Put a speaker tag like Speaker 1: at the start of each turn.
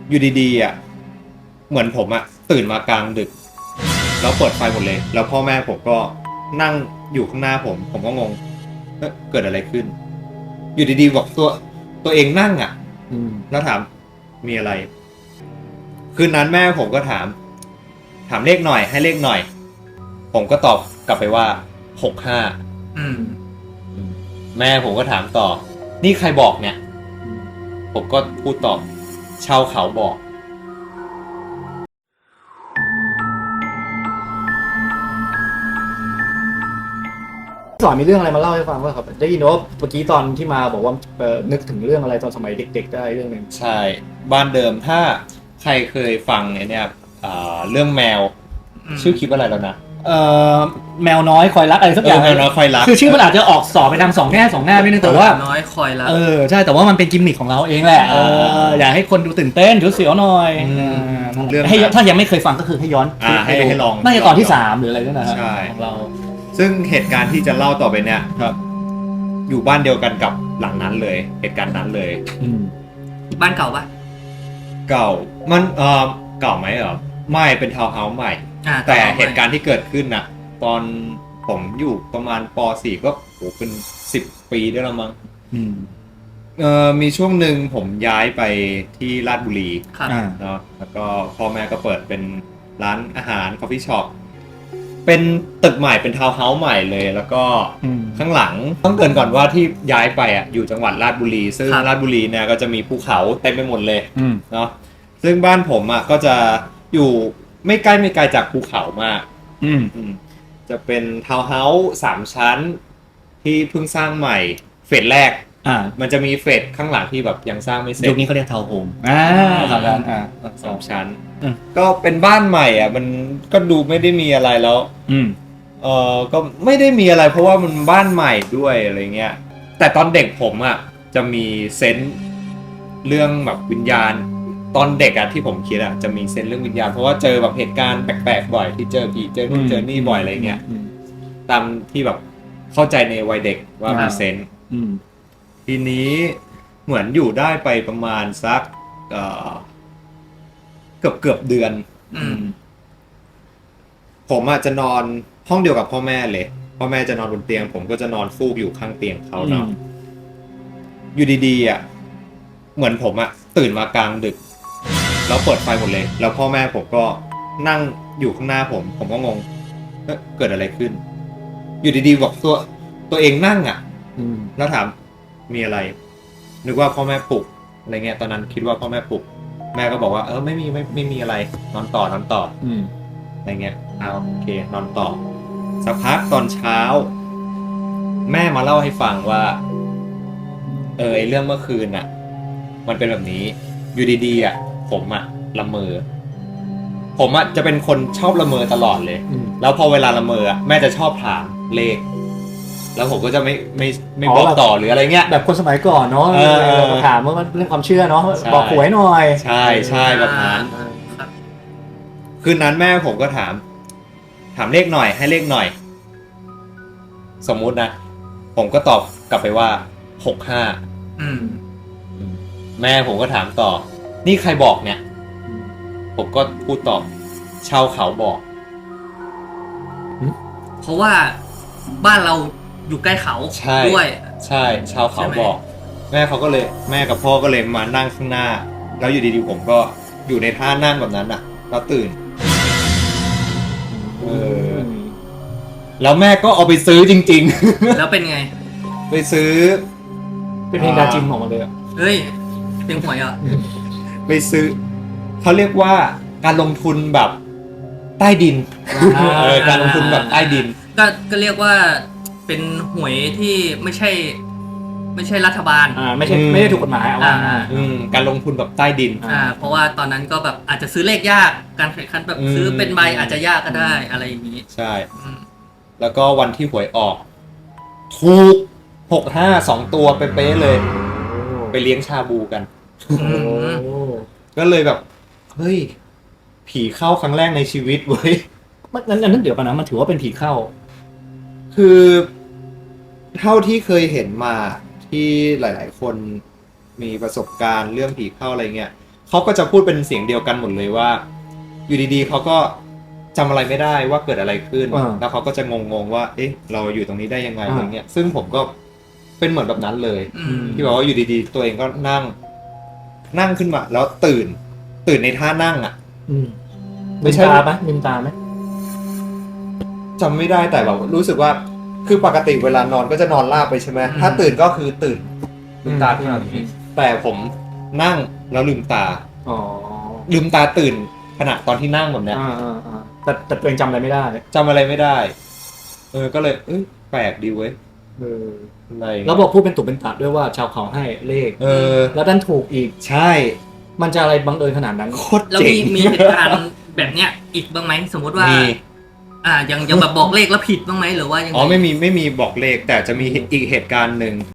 Speaker 1: อยู่ดีๆอ่ะเหมือนผมอ่ะตื่นมากลางดึกแล้วเปิดไฟหมดเลยแล้วพ่อแม่ผมก็นั่งอยู่ข้างหน้าผมก็งงเกิดอะไรขึ้นอยู่ดีๆบอกตัวเองนั่งอ่ะแล้วถามมีอะไรคืนนั้นแม่ผมก็ถามเลขหน่อยให้เลขหน่อยผมก็ตอบกลับไปว่า65แม่ผมก็ถามต่อนี่ใครบอกเนี่ยผมก็พูดตอบชาวเขาบอก
Speaker 2: สอนมีเรื่องอะไรมาเล่าให้ฟังว่าครับได้ยินว่าเมื่อกี้ตอนที่มาบอกว่านึกถึงเรื่องอะไรตอนสมัยเด็กๆได้เรื่องหนึ่ง
Speaker 1: ใช่บ้านเดิมถ้าใครเคยฟังเนี่ยเรื่องแมวชื่อคลิปอะไรแล้วนะ
Speaker 2: แมวน้อยคอยรักอะไรสักอย่าง
Speaker 1: แมวน้อยคอยรัก
Speaker 2: คือชื่อมันอาจจะออกสอบไปทางสองแง่ไม่นึงแต่ว่า
Speaker 3: น้อยคอยรัก
Speaker 2: ใช่แต่ว่ามันเป็นกิมมิคของเราเองแหละอยากให้คนดูตื่นเต้นเสียวหน่อยให้ถ้ายังไม่เคยฟังก็คือให้ย้อน
Speaker 1: ให้ลอง
Speaker 2: น่าจะตอนที่3หรืออะไรนั่นนะของเรา
Speaker 1: ซึ่งเหตุการณ์ที่จะเล่าต่อไปเนี่ยอยู่บ้านเดียวกันกับหลังนั้นเลยเหตุการณ์นั้นเลย
Speaker 3: บ้านเก่าปะ
Speaker 1: เก่ามันเก่าไหมไม่เป็นทาวน์เฮาส์ใหม่แต่เหตุการณ์ที่เกิดขึ้นน่ะตอนผมอยู่ประมาณป .4 ก็โหเป็น10 ปีได้แล้วมั้งมีช่วงหนึ่งผมย้ายไปที่ราชบุรีเนาะแล้วก็พ่อแม่ก็เปิดเป็นร้านอาหารคอฟฟี่ช็อปเป็นตึกใหม่เป็นทาวน์เฮาส์ใหม่เลยแล้วก็ข้างหลังต้องเกริ่นก่อนว่าที่ย้ายไปอยู่จังหวัดราชบุรีซึ่งราชบุรีเนี่ยก็จะมีภูเขาเต็มไปหมดเลยเนาะซึ่งบ้านผมก็จะอยู่ไม่ไกลจากภูเขามากจะเป็นทาวน์เฮาส์3 ชั้นที่เพิ่งสร้างใหม่เฟสแรกมันจะมีเฟสข้างหลังที่แบบยังสร้างไม่เสร็จ
Speaker 2: ยุคนี้เขาเรียกทาวน์โฮม
Speaker 1: 3 ชั้นก็เป็นบ้านใหม่มันก็ดูไม่ได้มีอะไรแล้วก็ไม่ได้มีอะไรเพราะว่ามันบ้านใหม่ด้วยอะไรเงี้ยแต่ตอนเด็กผมจะมีเซนส์เรื่องแบบวิญญาณตอนเด็กที่ผมคิดจะมีเซนส์เรื่องวิญญาณเพราะว่าเจอแบบเหตุการณ์แปลกๆบ่อยที่เจอผีเจอนู่นเจอนี่บ่อยอะไรเงี้ยตามที่แบบเข้าใจในวัยเด็กว่ามีเซนส์ทีนี้เหมือนอยู่ได้ไปประมาณสักเกือบเดือนผมจะนอนห้องเดียวกับพ่อแม่เลยพ่อแม่จะนอนบนเตียงผมก็จะนอนฟูกอยู่ข้างเตียงเขาเนาะอยู่ดีๆเหมือนผมตื่นมากลางดึกแล้วเปิดไฟหมดเลยแล้วพ่อแม่ผมก็นั่งอยู่ข้างหน้าผมก็งงเกิดอะไรขึ้นอยู่ดีๆบอกตัวเองนั่งแล้วถามมีอะไรนึกว่าพ่อแม่ปลุกอะไรเงี้ยตอนนั้นคิดว่าพ่อแม่ปลุกแม่ก็บอกว่าไม่มีอะไรนอนต่ออะไรเงี้ยโอเคนอนต่อสักพักตอนเช้าแม่มาเล่าให้ฟังว่าไอเรื่องเมื่อคืนมันเป็นแบบนี้อยู่ดีๆผมละเมอผมจะเป็นคนชอบละเมอตลอดเลยแล้วพอเวลาละเมอแม่จะชอบถามเลขแล้วผมก็จะไม่บอกต่อหรืออะไรเงี้ย
Speaker 2: แบบคนสมัยก่อนเนาะถามว่ามันเรื่องความเชื่อเนาะบอกหวยหน่อย
Speaker 1: ใช่แบบนั้นคืนนั้นแม่ผมก็ถามเลขหน่อยให้เลขหน่อยสมมุตินะผมก็ตอบกลับไปว่า65แม่ผมก็ถามต่อนี่ใครบอกเนี่ยผมก็พูดตอบชาวเขาบอก
Speaker 3: เพราะว่าบ้านเราอยู่ใกล้เขาด้วย
Speaker 1: ใช่ชาวเขาบอกแม่กับพ่อก็เลยมานั่งข้างหน้าแล้วอยู่ดีๆผมก็อยู่ในท่านั่งแบบนั้นแล้วตื่นแล้วแม่ก็เอาไปซื้อจริง
Speaker 3: ๆแล้วเป็นไง
Speaker 1: ไปซื้อ
Speaker 2: เป็นเพลงดาจิมออกมาเลย
Speaker 3: เฮ้ยเพลงหวย
Speaker 1: ไปซื้อเขาเรียกว่าการลงทุนแบบใต้ดินการลงทุนแบบใต้ดิน
Speaker 3: ก็เรียกว่าเป็นหวยที่ไม่ใช่รัฐบาล
Speaker 2: ไม่ได้ถูกกฎหมาย
Speaker 1: การลงทุนแบบใต้ดิน
Speaker 3: เพราะว่าตอนนั้นก็แบบอาจจะซื้อเลขยากการแข่งขันแบบซื้อเป็นใบอาจจะยากก็ได้อะไรอย่างนี้
Speaker 1: ใช่แล้วก็วันที่หวยออกถูก65 2 ตัวเป๊ะๆเลยไปเลี้ยงชาบูกันก็เลยแบบเฮ้ยผีเข้าครั้งแรกในชีวิตเว้ย
Speaker 2: นั้นเดี๋ยวกันนะมันถือว่าเป็นผีเข้า
Speaker 1: คือเท่าที่เคยเห็นมาที่หลายๆคนมีประสบการณ์เรื่องผีเข้าอะไรเงี้ยเขาก็จะพูดเป็นเสียงเดียวกันหมดเลยว่า อยู่ดีๆเขาก็จำอะไรไม่ได้ว่าเกิดอะไรขึ้น แล้วเขาก็จะงงๆว่า เอ๊ะ เราอยู่ตรงนี้ได้ยังไงอะไรเงี้ยซึ่งผมก็เป็นเหมือนแบบนั้นเลย ที่บอกว่าอยู่ดีๆ ตัวเองก็นั่งขึ้นมา แล้วตื่นในท่านั่งอ่ะ
Speaker 2: ลืมตาไหมลืมตาไหม
Speaker 1: จำไม่ได้แต่แบบรู้สึกว่าคือปกติเวลานอนก็จะนอนราบไปใช่ไหมถ้าตื่นก็คือตื่นลืมตาขึ้นมาแต่ผมนั่งแล้วลืมตา
Speaker 2: อ๋อ
Speaker 1: ลืมตาตื่นขณะตอนที่นั่งแบบเนี้ย
Speaker 2: แต่ตัวเองจำอะไรไม่ได้
Speaker 1: จำอะไรไม่ได้ ก็เลยแปลกดีเว้ยอะไร
Speaker 2: แล้วบอกพูดเป็นตุเป็นตะด้วยว่าชาวเขาให้เลขแล้วดันถูกอีก
Speaker 1: ใช่
Speaker 2: มันจะอะไรบังเอิญขนาดนั้น
Speaker 1: โคตร
Speaker 3: แล้ว
Speaker 1: เจ๋ง
Speaker 3: มีเหตุการณ์แบบเนี้ยอีกบ้างไหมสมมติว่า
Speaker 1: มี
Speaker 3: ยังแบบบอกเลขแล้วผิดบ้างไหมหรือว่ายังไง
Speaker 1: อ๋อไม่มีบอกเลขแต่จะมีอีกเหตุการณ์หนึ่ง